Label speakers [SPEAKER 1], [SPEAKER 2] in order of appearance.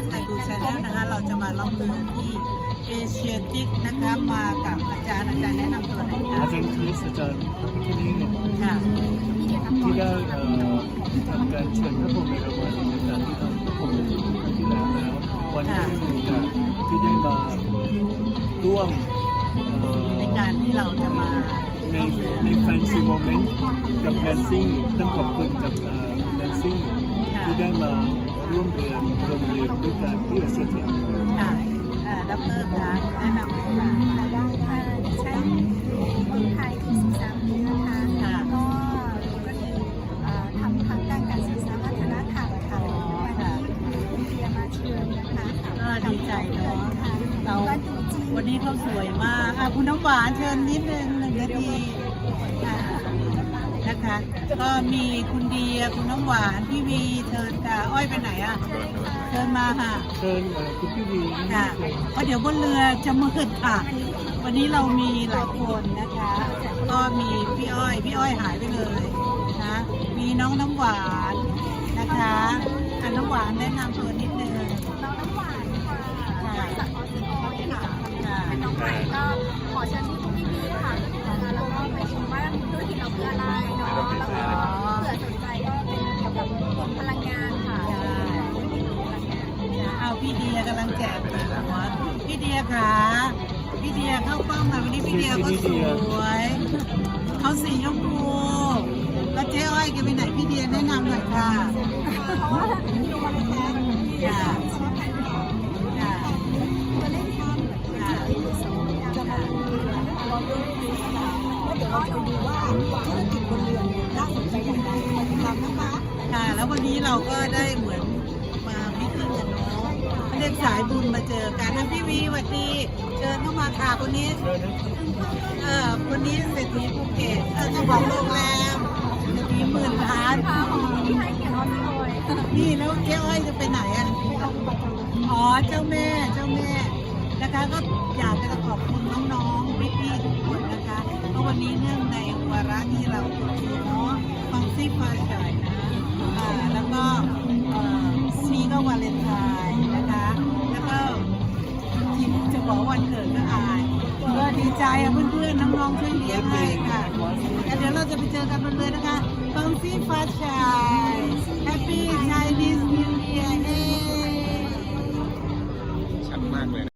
[SPEAKER 1] ไทยดูชาแนลนะคะเราจะมาล่องเรือที่เอเชียติกนะคะมากับอาจารย์แนะนำตัวหน่อยค่ะ
[SPEAKER 2] อาจารย์คริสอาจารย์ที่นี่
[SPEAKER 1] ค่ะ
[SPEAKER 2] ที่ได้ทำการเชิญพระพรหมเอราวัณในการที่ทำพระพรหมเอราวัณที่แล้ววันนี้มีโอกาสที่ได้มาร่วม
[SPEAKER 1] ในการที่เราจะมา
[SPEAKER 2] ในแฟนซีโมเมนต์กับแดนซิ่งต้องขอบคุณกับแดนซิ่งที่ได้มาร่วมเรียนโรงเรียนด้วยกันที่เอเชียที
[SPEAKER 1] ค่ะดรคะแนะนำตัวค่ะ
[SPEAKER 3] ใช้คนไทยที่ศึกษานะคะก็คือทำทางด้านการศึกษาวัฒนธรรมค่ะวันนี้เรียนมาเชิญนะคะ
[SPEAKER 1] ดีใจเนาะเรา
[SPEAKER 3] ว่าดูจริง
[SPEAKER 1] วันนี้เขาสวยมากคุณน้ำหวานเชิญนิดนึง1 นาทีนะคะ ก็มีคุณเดียคุณน้ำหวานพี่วีเชิญค่ะอ้อยไปไหนอ่ะเชิญมาค่ะ
[SPEAKER 2] เชิญคุณพี่วี
[SPEAKER 1] ค่ะเพราะเดี๋ยวบนเรือจะมืดค่ะ วันนี้เรามีหลายคนนะคะ ก็มีพี่อ้อยหายไปเลยนะ มีน้องน้ำหวานนะคะน้ำหวานแนะนำตัวนิดนึง
[SPEAKER 3] น้องน้ำหวานค่ะจากออสเตรเลียค่ะเป็นน้องใหม่ก็ขอเชิญพี่ค่ะแล้วก็ไปชมว่าธุรกิจเราคืออะไรเนาะแล้วก็เผื่อสนใจก็เป็นเกี่ยวกับพลังงานค่ะ
[SPEAKER 1] เอาพี่เดียกำลังแจกหัวพี่เดียค่ะพี่เดียเข้ากล้องมาวันนี้พี่เดียก็สวยเขาสีชมพูแล้วเจ๊อ้อยแกไปไหนพี่เดียแนะนำหน่อยค่ะค่ะค่ะค่ะแล้ววันนี้เราก็ได้เหมือนมาพิธีกันเนาะเรียกสายบุญมาเจอกันพี่วีสวัสดีเชิญเข้ามาค่ะคนนี้คนนี้เศรษฐีภูเก็ตเจ้าของโรงแรมเศรษฐี10,000 ล้าน
[SPEAKER 3] ที่ให้เกียรติออสโอย
[SPEAKER 1] นี่แล้วเจ๊อ้อยจะไปไหนอ่ะอ๋อเจ้าแม่นะคะก็อยากจะขอบคุณน้องๆพี่ๆทุกคนนะคะเพราะวันนี้เนื่องในวาระที่เราเนาะฟังซี่พาชายนะแล้วก็ซีก็วาเลนไทน์นะคะแล้วก็จริงจะบอกวันเกิดก็อายก็ดีใจเพื่อนๆน้องๆช่วยเลี้ยงให้ค่ะแล้วเดี๋ยวเราจะไปเจอกันบนเรือนะคะฟังซี่พาชายแฮปปี้ไชนีสนิวเยียร์